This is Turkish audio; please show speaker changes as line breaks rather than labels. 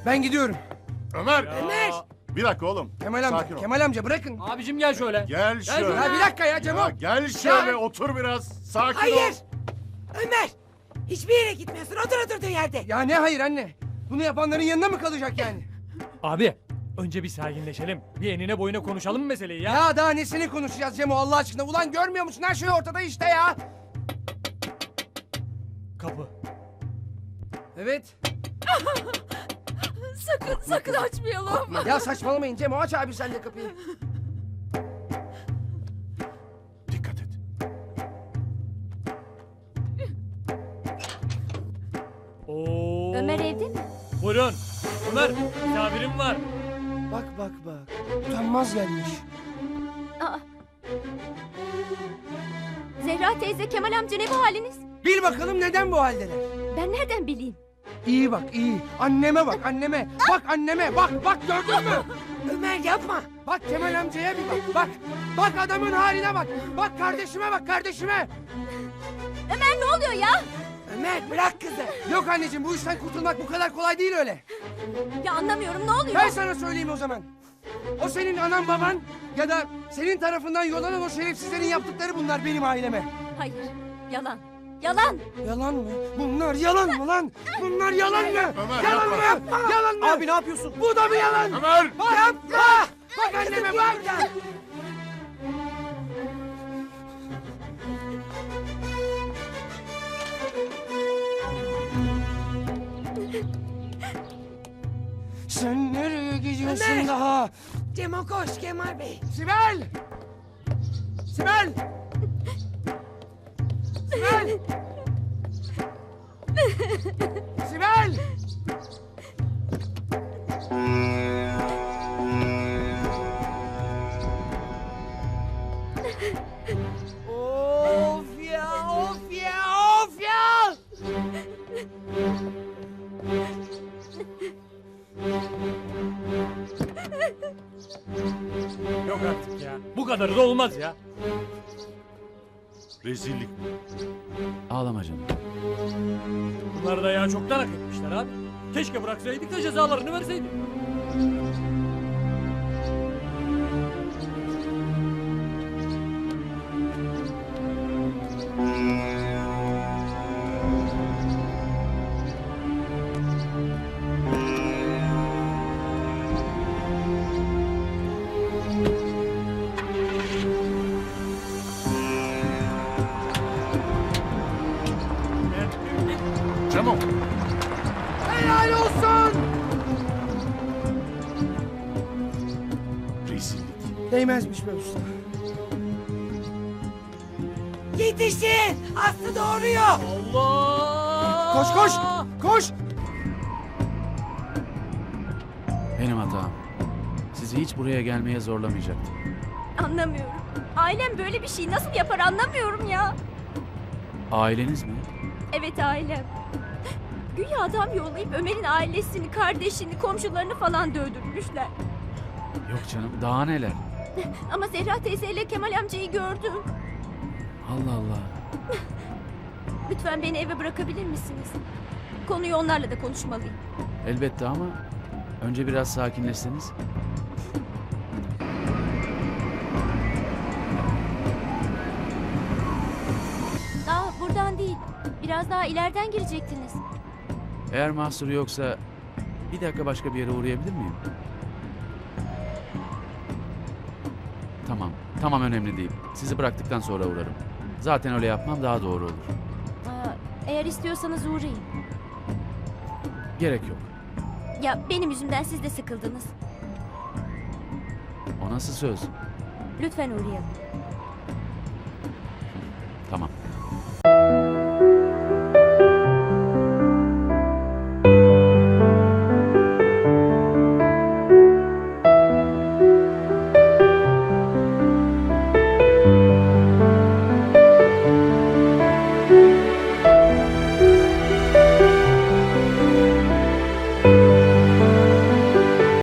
Ben gidiyorum.
Ömer!
Ömer!
Bir dakika oğlum.
Kemal amca,
Sakin ol.
Kemal amca bırakın.
Abicim gel şöyle.
Gel şöyle.
Ya bir dakika ya Cemo.
Ya gel şöyle
Ya.
otur biraz. Sakin
Hayır.
ol.
Ömer. Hiçbir yere gitmiyorsun. Otur oturduğun yerde.
Ya ne hayır anne? Bunu yapanların yanında mı kalacak yani?
Abi önce bir sakinleşelim. Bir enine boyuna konuşalım meseleyi ya.
Ya daha nesini konuşacağız Cemo Allah aşkına? Ulan görmüyor musun? Her şey ortada işte ya.
Kapı.
Evet.
Sakın açmayalım.
Ya saçmalamayın Cemo, aç abi sen de kapıyı.
Dikkat et.
Oo.
Ömer evde mi?
Buyurun. Ömer misafirim var.
Bak bak bak. Utanmaz gelmiş.
Aa. Zehra teyze, Kemal amca ne bu haliniz?
Bil bakalım neden bu haldeler?
Ben nereden bileyim?
İyi bak iyi. Anneme bak anneme. Bak anneme bak gördün mü?
Ömer yapma.
Bak Kemal amcaya bir bak. Bak. Bak adamın haline bak. Bak kardeşime bak kardeşime.
Ömer ne oluyor ya?
Ömer bırak kızı.
Yok anneciğim bu işten kurtulmak bu kadar kolay değil öyle.
Ya anlamıyorum, ne oluyor?
Ben sana söyleyeyim o zaman. O senin anan baban ya da senin tarafından yollanan o şerefsizlerin yaptıkları bunlar benim aileme.
Hayır, yalan. Yalan.
Yalan mı? Bunlar yalan mı lan? Bunlar yalan mı?
Ömer,
Yalan mı?
yapma.
Yalan mı? Abi ne yapıyorsun? Bu da mı yalan?
Ömer!
Bak yapma! Bak anneme bak! Sen nereye gidiyorsun
Ömer!
daha?
Cemo koş Kemal Bey.
Sibel! Sibel! Sibel! Sibel! Of ya, of ya, of ya!
Yok artık ya. Bu kadarı da olmaz ya.
Rezillik bu.
Ağlama canım.
Bunlar da ya çoktan hak etmişler abi. Keşke bıraksaydık da cezalarını verseydik.
Cemo!
Helal olsun!
Rezillik.
Değmezmiş be usta.
Yetişin. Aslı doğuruyor.
Allah!
Koş koş! Koş!
Benim hatam. Sizi hiç buraya gelmeye zorlamayacaktım.
Anlamıyorum. Ailem böyle bir şey nasıl yapar anlamıyorum ya.
Aileniz mi?
Evet, ailem. Güya adam yollayıp Ömer'in ailesini, kardeşini, komşularını falan dövdürmüşler.
Yok canım, daha neler?
Ama Zehra teyzeyle Kemal amcayı gördüm.
Allah Allah.
Lütfen beni eve bırakabilir misiniz? Konuyu onlarla da konuşmalıyım.
Elbette ama önce biraz sakinleşseniz.
Buradan değil. Biraz daha ileriden girecektiniz.
Eğer mahsuru yoksa bir dakika başka bir yere uğrayabilir miyim? Tamam önemli değil. Sizi bıraktıktan sonra uğrarım. Zaten öyle yapmam daha doğru olur.
Eğer istiyorsanız uğrayın.
Gerek yok.
Ya benim yüzümden siz de sıkıldınız.
O nasıl söz?
Lütfen uğrayalım.
Tamam.